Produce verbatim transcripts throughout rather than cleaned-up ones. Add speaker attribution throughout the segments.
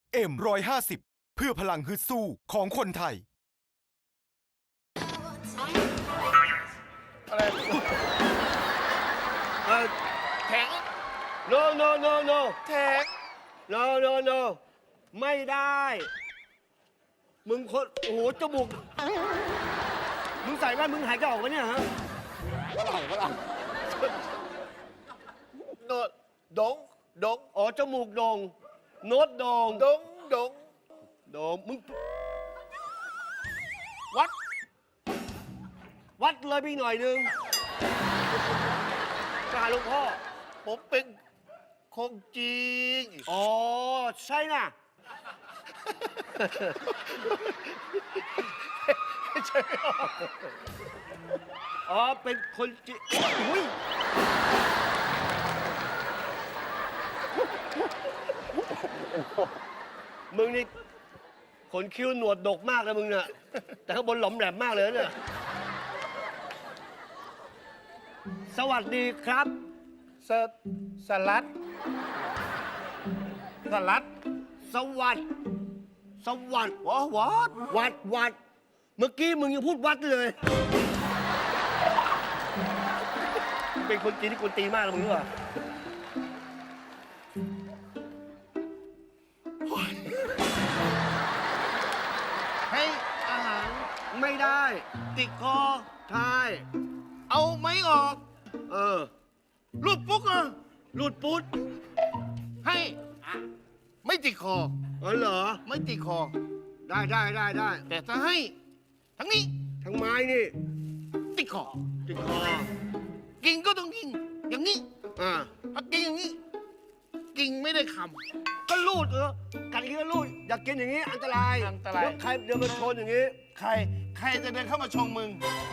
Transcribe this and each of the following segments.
Speaker 1: เอ็มร้อยห้าสิบเพื่อพลังฮึดสู้ของคนไทย
Speaker 2: อะไรเออแข็ง no no no no แข็ง no no no ไม่ได้ มึงคนโอ้โหจมูกมึงใส่แว่นมึงหายใจออกไหมเนี่ยฮะ
Speaker 3: ฝรั่งฝรั่งโนดดงดง
Speaker 2: อ๋อจมูกโด่งโน้ตโด่ง
Speaker 3: ดงดง
Speaker 2: โด่งมึง
Speaker 3: วัด
Speaker 2: วัดเลยพี่หน่อยนึงกราบหลวงพ่อ
Speaker 3: ผมเป็นคงจริง
Speaker 2: อ๋อ ใช่น่ะ
Speaker 3: ใช่
Speaker 2: อ๋อ เป็นคนจีนอุ้ยมึงนี่ขนคิ้วหนวดดกมากเลยมึงเนี่ย แต่ข้างบนหลอมแหลมมากเลยเนี่ย สวัสดีครับ
Speaker 3: สสลัดสลัด
Speaker 2: สวัสดสวัสด
Speaker 3: วะวัด
Speaker 2: วัดวัด เมื่อกี้มึงยังพูดวัดเลย เป็นคนจีนที่กวนตีนมากเลยมึงรู้ป่ะ
Speaker 3: ให้อาหาร
Speaker 2: ไม่ได้ ติดคอทาย
Speaker 3: เอาไม้ออก
Speaker 2: เออ
Speaker 3: รูดปุ๊กอ่ะ
Speaker 2: หลุดปุ๊ด
Speaker 3: ให้ไม่ติดคอ
Speaker 2: เออเหรอ
Speaker 3: ไม่ติดคอ
Speaker 2: ได้ได้ได้ได้
Speaker 3: แต่ถ้าให้ทั้งนี้
Speaker 2: ทั้งไม้นี่
Speaker 3: ติดคอ
Speaker 2: ติดคอ
Speaker 3: กินก็ต้องกิน อย่างนี้
Speaker 2: อ่า
Speaker 3: ถ้ากินอย่างนี้ กินไม่ได้ค
Speaker 2: ก็รูดเออกัดอย่างนี้ก็รูด อยากกินอย่างนี้ อันตราย
Speaker 3: อันตราย
Speaker 2: เดี๋วใครเดินมาชนอย่างนี้
Speaker 3: ำใคร ใครจะเดินเข้ามาชงมึง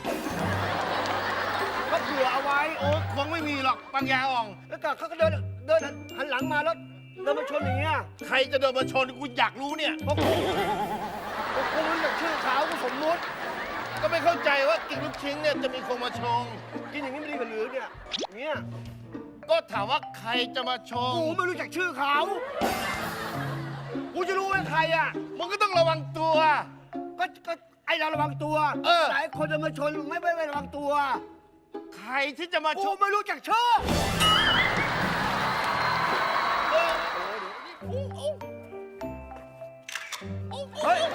Speaker 2: ก็เผื่อเอาไว้
Speaker 3: โอ้คงไม่มีหรอกปัญญาอ่อง
Speaker 2: แล้วก็เขาก็เดินเดินหันหลังมาแล้วเดินมาชนอย่างเงี้ย
Speaker 3: ใครจะเดินมาชนกูอยากรู้เนี่ย
Speaker 2: เพราะกูเพราะกูรู้จักชื่อเขากูสมมุติ
Speaker 3: ก็ไม่เข้าใจว่ากินลูกชิ้นเนี่ยจะมีคนมาชง
Speaker 2: กินอย่างนี้ไม่ดีกว่าหรือเนี่ยเนี่ย
Speaker 3: ก็ถามว่าใครจะมาชง
Speaker 2: กูไม่รู้จักชื่อเขากูจะรู้ว่าใครอ่ะ
Speaker 3: มึงก็ต้องระวังตัว
Speaker 2: ก็ก็ไอเราระวังตัว
Speaker 3: เออ
Speaker 2: หลายคนจะมาชนไม่ไม่ไม่ระวังตัว
Speaker 3: ใครที่จะมาช
Speaker 2: กู
Speaker 3: ง
Speaker 2: ไม่รู้จักชื่อ
Speaker 3: เออโอ้โอ้โอ้
Speaker 2: เฮ้ย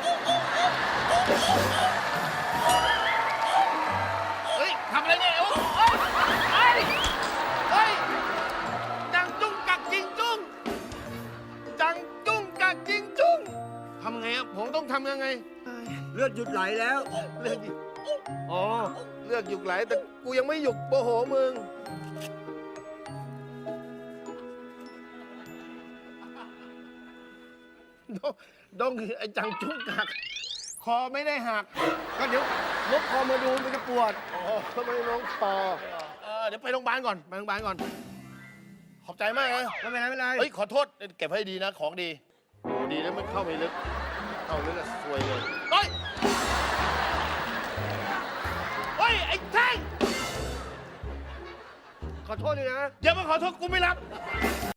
Speaker 3: เฮ้ยทำอะไรเนี่ยโอ้เฮ้ยเฮ้ยเฮ้ยจังจุ้งกักจิงจุ้งจังจุ้งกักจิงจุ้งทำไงอะผมต้องทำยังไง
Speaker 2: เลือดหยุดไหลแล้ว
Speaker 3: เลือกหยุด
Speaker 2: อ๋อ
Speaker 3: เลือกหยุดไหลแต่กูยังไม่หยุดโมโหมึงดงดงไอ้จังจุ้งกักคอไม่ได้หัก
Speaker 2: ก็เดี๋ยวลบคอมาดูมันจะปวด
Speaker 3: อ๋อทำไมน้องคอเออเดี๋ยวไปโรงพยาบาลก่อน ไปโรงพยาบาลก่อน ขอบใจมากเลย
Speaker 2: ไม่เป็นไรไม่เป็นไร
Speaker 3: เฮ้ย ขอโทษ เก็บให้ดีนะ ของดี โอ้ดีแล้วมันเข้าไปลึก เข้าลึกอะซวยเลย เฮ้ย เฮ้ย ไอ้แท่ง
Speaker 2: ขอโทษด้วยนะ
Speaker 3: อย่ามาขอโทษกูไม่รับ